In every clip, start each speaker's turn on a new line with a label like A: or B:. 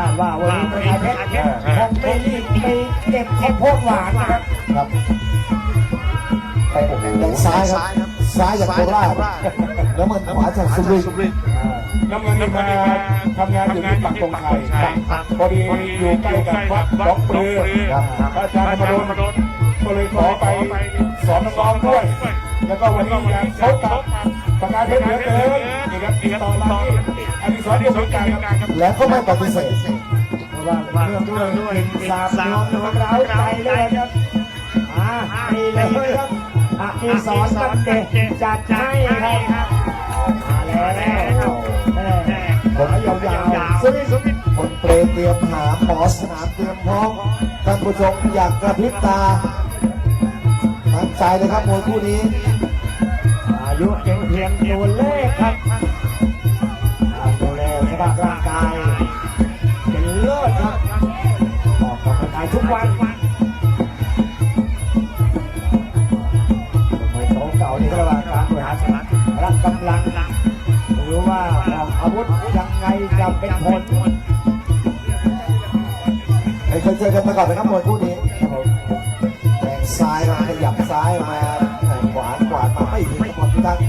A: าดว่าวันนี้ประกายเพชรคงไม่รีบไปเก็บข้าวโพดหวานนะครับ
B: ไปโอ้โหซ้ายครับซ้ายจากโคราชแล้วมันขวาจากสุรินทร์
C: น้ำเงินนี่มาทำงานอยู่ที่ปักธงชัยพอดีอยู่ใกล้กับวัดหนองปลือพระอาจารย์มาโดนก็เลยขอไปสอนน้องๆด้วยแล้วก็วันนี้อยากพบกับประกายเพชรเหลือเกินนี่ครับติดต่อมาที่อดิศรดวงการครับ
B: แล้วก็ไม่ปฏิเสธ
A: ว่าเรื่องด้วยสามน้องของเราใจเลยครับไปเลยครับอดิศรบันเดชจัดให้ครับมาแล้ว
B: ขายาวๆคนเปรย์เตรียมหาหมอสนามเตรียมพร้อมท่านผู้ชมอยากกระพริบตามั่นใจเลยครับมวยคู่นี้
A: อายุเพียงตัวเลขครับดูแลสภาพร่างกายเป็นเลิศครับออกกำลังกายทุกวันมวยโตเก่านี่ก็ระหว่างการบริหารร่างกำลังรู้ว่าออกอาวุธยังไงจะเป็นผล
B: ไม่เคยเจอกันมาก่อนนะครับมวยคู่นี้แทงซ้ายมาขยับซ้ายมาแทงขวามาไม่ถึงหมดทุกท่าน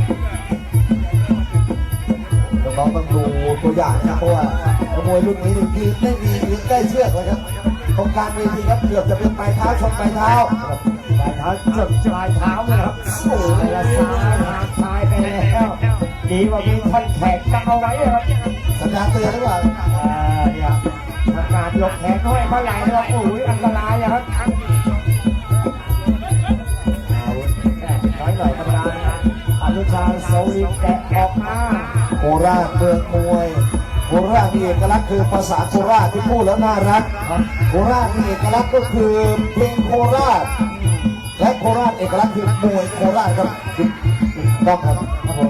B: น้องต้องดูตัวอย่างนะครับเพราะว่ามวยรุ่นนี้ยืนได้ดียืนใกล้เชือกเลยครับตรงกลางเวทีครับเกือบจะเป็นปลายเท้าชนปลายเท้า
A: จบปลายเท้าเลยครับโอ้ยละซ้ายไปแล้วดีว่ามีท่อนแขนกันเอาไว้ครับ
B: สัญญาณเตือนหรือเปล่า
A: เนี่ยทางการยกแขนห้อยมาไหลเลยโอ้ยอันตรายครับน้อยหน่อยธรรมดาอนุชาโซลินแกะออกมา
B: โคราชเมืองมวยโคราชมีเอกลักษณ์คือภาษาโคราชที่พูดแล้วน่ารักโคราชมีเอกลักษณ์ก็คือเพลงโคราชและโคราชเอกลักษณ์คือมวยโคราชครับต้องครับผม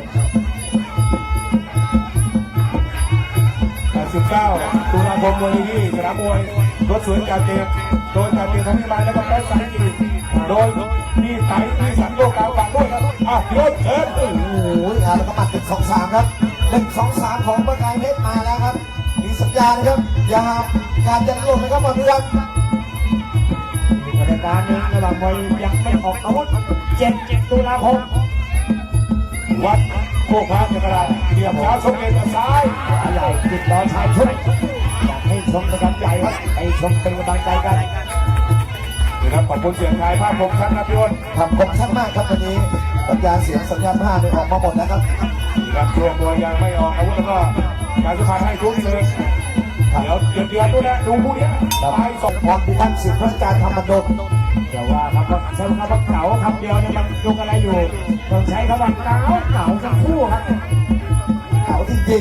C: 19 ตุลาคมวันนี้สนามมวยรถสวนการเตะโดยการเตะทั้งที่มาแล้วก็แพ้สายกีโดยที่ไต่ที่สังโลกาฝากด้วยครับเดี๋ยวเชิญ
B: โอ้โหแล้วก็มา1-2-3ครับ1-2-3ของประกายเพชรมาแล้วครับมีสัญญานะครับอย่าการยันลงนะครับมาเพื่อน
A: บรรยากาศนี้ระหว่างมวยยังไม่ออกอาวุธ7 ตุลาคม
C: วัดโคกพระจักรราชเดี่ยวเช้าชมเย็นซ้าย
A: ใหญ่ติดล้อชายชุดอยากให้ชมเป็นกำลังใจครับให้ชมเป็นกำลังใจกัน
C: นะครับขอบคุณเสียงไทยภาพคมชัดนะพี่อ้น
B: ทำคมชัดมากครับวันนี้สัญญาณเสียงสัญญาณภาพออกมาหมดแล้วครับ
C: ครับช่วงมวยยังไม่ออกอาวุธแล้วก็การสุพรรณให้ทุกเลยเดี๋ยวเดือนนู้นนะดูผู้นี้ไปส่ง
B: พรพิทักษ์สิทธิ์พระการธรรมดล
A: แต่ว่าครับใช้คำว่าเก่าคำเดียวเนี่ยมันยุกอะไรอยู่ต้องใช้คำว่าเก่าทั้งคู่ครับ
B: เก่าจริง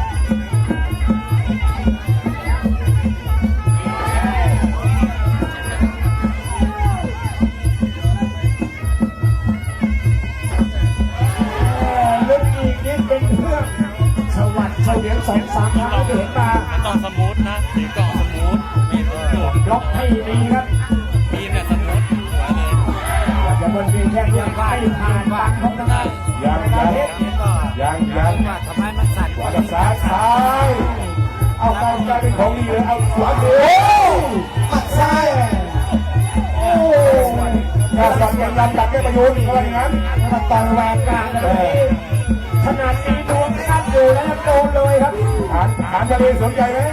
A: เฉลียง2-3 ครั้งที่เห็นมา
D: ต้องสมูทนะสีกล่องสมูทมี
A: ล็อกให้ดีครับ
D: มีเนี่ยสมูทสวยเลย
A: อย่าบนวีแค่ยังไม่ผ่านบางของทางด้าน
C: ยัง
D: ทำไมมันสั่น
C: ขวากับซ้ายเอากลายเป็นของดีเลยเอาขวาดู
B: ปัดซ้าย
C: โอ้ยาสั่งยังยันตัดได้ประโยชน์อะไรอย่างนั้น
A: มาต่อยแหวกกลางเลยขนาดนี้ดวงสั้นอยู่แล้วโดนเลยครับ
C: ถามทะเลสนใจไหม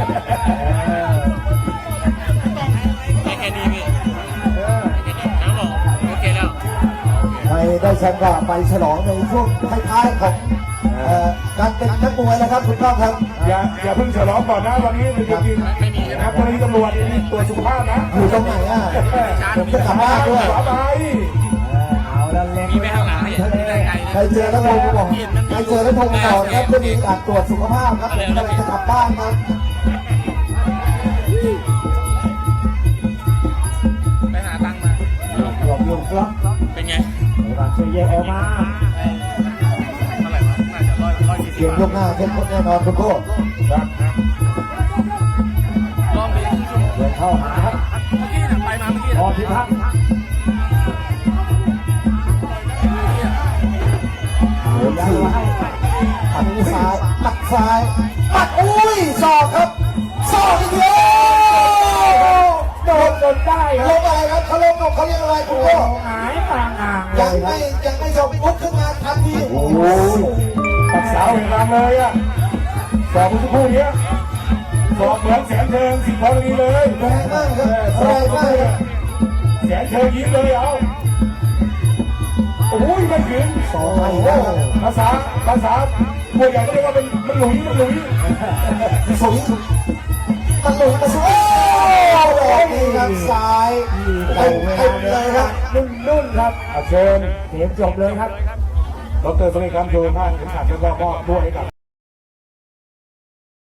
D: ไม่แค่นี้พี่เขาบอกโอเคแล้ว
B: ไปได้แชมป์ก็ไปฉลองในช่วงท้ายๆของการเป็นนักมวยนะครับคุณก้องครับ
C: อย่าเพิ่งฉลองก่อนนะวันนี้จริงๆนะครับวันนี้ตำรวจตัวสุขภาพนะ
B: อยู่ตรงไหนผมจะกลับบ้านด้วย
A: เอาละเล็งไปข้างหลัง
B: ใครเจอแล้วโทรมาบอกใครเจอแล้วโทรมาบอกครับจะมีการตรวจสุขภาพครับผมกำลังจะกลับบ้านครับ
D: ไปหาตังค์มา
A: หลบครับ
D: เป็นไง
A: การเชียร์เยออกมา
D: เท่าไหร่วะน่าจะ140
B: เกมยกหน้าเข้มข้นแน่นอนคุณโก้
D: ลองไป
A: เดินเข้าหาครับ
D: เมื่อกี้เนี่ยไปมาเมื่อกี้
A: พอพิทักษ์
B: ปัดซ้ายปัดซ้ายปัดอุ้ยศอกครับศอกอีกเดียว
A: โดนจนได้ค
B: ล
A: รับ
B: งอะไรครับเขาลงเขาเรียกอะไรคุณพ่อ
A: หายต่างห่างเล
B: ยัง
A: ยครั
B: ไม่
A: บ
B: ยังไม่ยอมลุกขึ้นมาทันที
C: โอ้โหตัดสาวเห็นรำเลยอ่ะสอบเมื่อสักครู่นี้สอบเหมือนแสนเชิงสิบนาทีเลย
B: แรงมากครับ
C: ส
B: แร
C: อบ
B: งมากครับ
C: แสนเชิงยิ้มเลยเอาโอ้ยไม่ถึง
B: โอ้โห
C: ภาษาพวกใหญ่ก็เรียกว่าเป็นมันหลุย
B: สุยมันหลุดมาสุดดอกนี้ครับซ้ายเต็มเลยครับ
A: นุ่นครับ
C: เชิญ
A: เกมจบเลยครับ
C: ดรสุริคันต์โยนท่านเข็มขัดแล้วก็มอบด้วยให้กับ